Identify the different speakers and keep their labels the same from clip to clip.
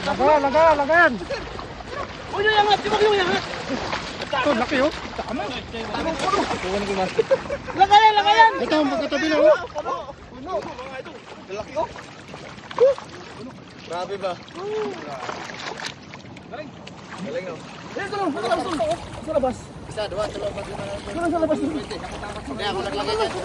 Speaker 1: Lagayan.
Speaker 2: Uy, yung yangat, yung yangat.
Speaker 1: Ito, laki oh. Tama.
Speaker 2: Lagayan.
Speaker 1: Ito, magkatabi na oh.
Speaker 2: Puno, mga ito. Laki oh.
Speaker 3: Grabe ba? Galing oh.
Speaker 2: Sa labas.
Speaker 3: Isa, dua, tatlo, apat, lima, enam,
Speaker 2: Sa labas.
Speaker 3: Kaya ako naglagay dyan.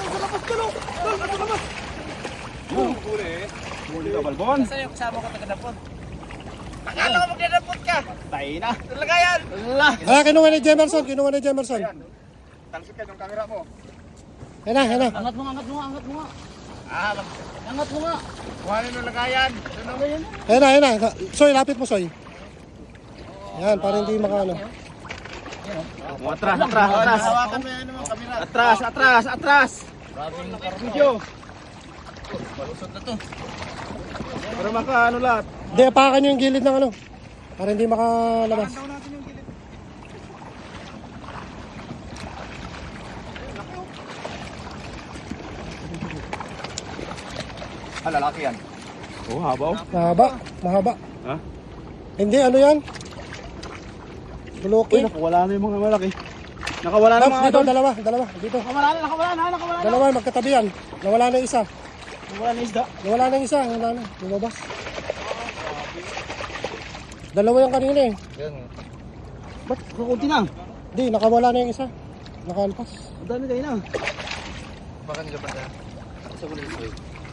Speaker 1: Huli ka, Balbon.
Speaker 3: Saan yung kasama ko taga-dapot? Akala ko magdadapot ka.
Speaker 1: Tayo na.
Speaker 3: Lagayan. Allah.
Speaker 4: Kinuha ni Jemerson.
Speaker 1: Talsik ka yung camera mo.
Speaker 4: Yan na.
Speaker 2: Angat mo nga.
Speaker 3: Ah,
Speaker 2: Angat mo nga.
Speaker 3: kuhanin yung lagayan.
Speaker 4: Yan na. Soy, lapit mo, Soy. Yan, para hindi makaano.
Speaker 1: Atras.
Speaker 3: Hawakan mo yan naman kamera.
Speaker 1: Atras. Video.
Speaker 3: Palusot na to.
Speaker 1: Para maka ano lahat.
Speaker 4: Hindi, apakan nyo yung gilid ng ano. Para hindi makalabas.
Speaker 1: Lalaki yan. Oh, habaw.
Speaker 4: Mahaba.
Speaker 1: Ha?
Speaker 4: Hindi, ano yan? Bulukin.
Speaker 1: Nakawala na yung mga malaki. Nakawala na mga
Speaker 4: Dito,
Speaker 1: idol.
Speaker 4: dalawa. Dito.
Speaker 2: Nakawala na.
Speaker 4: Dalawa, magkatabi yan. Nawala na yung isa.
Speaker 1: Wala na isda.
Speaker 4: Nawala na. Lumabas. Dalawa yung kanina eh.
Speaker 1: Ba't kukunti na?
Speaker 4: Hindi, nakawala na yung isa. Nakalpas.
Speaker 1: Ang dami kayo na.
Speaker 3: Baka nila pa na. Sa muli ito.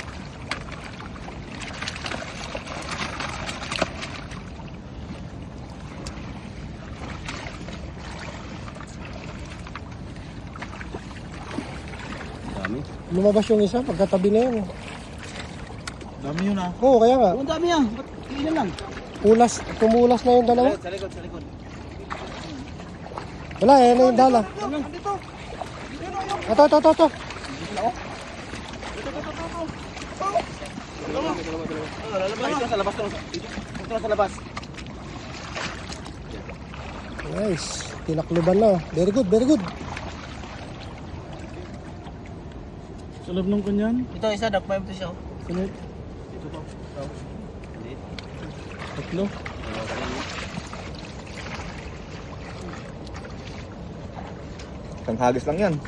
Speaker 1: Dami.
Speaker 4: Lumabas yung isa, pagkatabi na yun.
Speaker 1: Dami yun ah.
Speaker 4: Oo, kaya nga.
Speaker 2: Oh, ang dami yan. Ba't ilan lang?
Speaker 4: Tumulas na yung dalawa.
Speaker 3: Sa likod.
Speaker 4: Wala, yan na yung dala.
Speaker 2: Dito.
Speaker 4: Ito.
Speaker 3: Lalabas. Ito sa labas to. Ito sa labas.
Speaker 4: Nice. Tinakluban na. Very good.
Speaker 1: Sa loob ng kanyan.
Speaker 3: Ito isa, dakpay mo ito siya.
Speaker 1: Sunod. Tatlo. Isang hagis lang yan.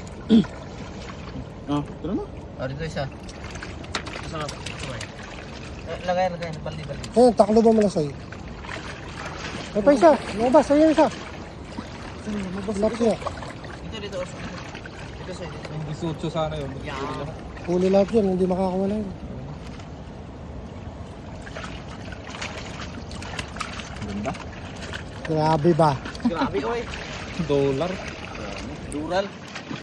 Speaker 1: Tara na.
Speaker 3: Dito isa. Sarap. Lagayan. Baldi.
Speaker 4: Ayun, takluban mo na sa'yo. May pa isa. Lumabas, ayun isa. Lumabas niya.
Speaker 3: Dito. Dito sa ito.
Speaker 1: Ang bisutso sana yun.
Speaker 4: Huli lahat yun, hindi makakawala yun.
Speaker 1: Ganda.
Speaker 4: Grabe ba?
Speaker 3: Grabe, oy.
Speaker 1: $1.
Speaker 3: Dural.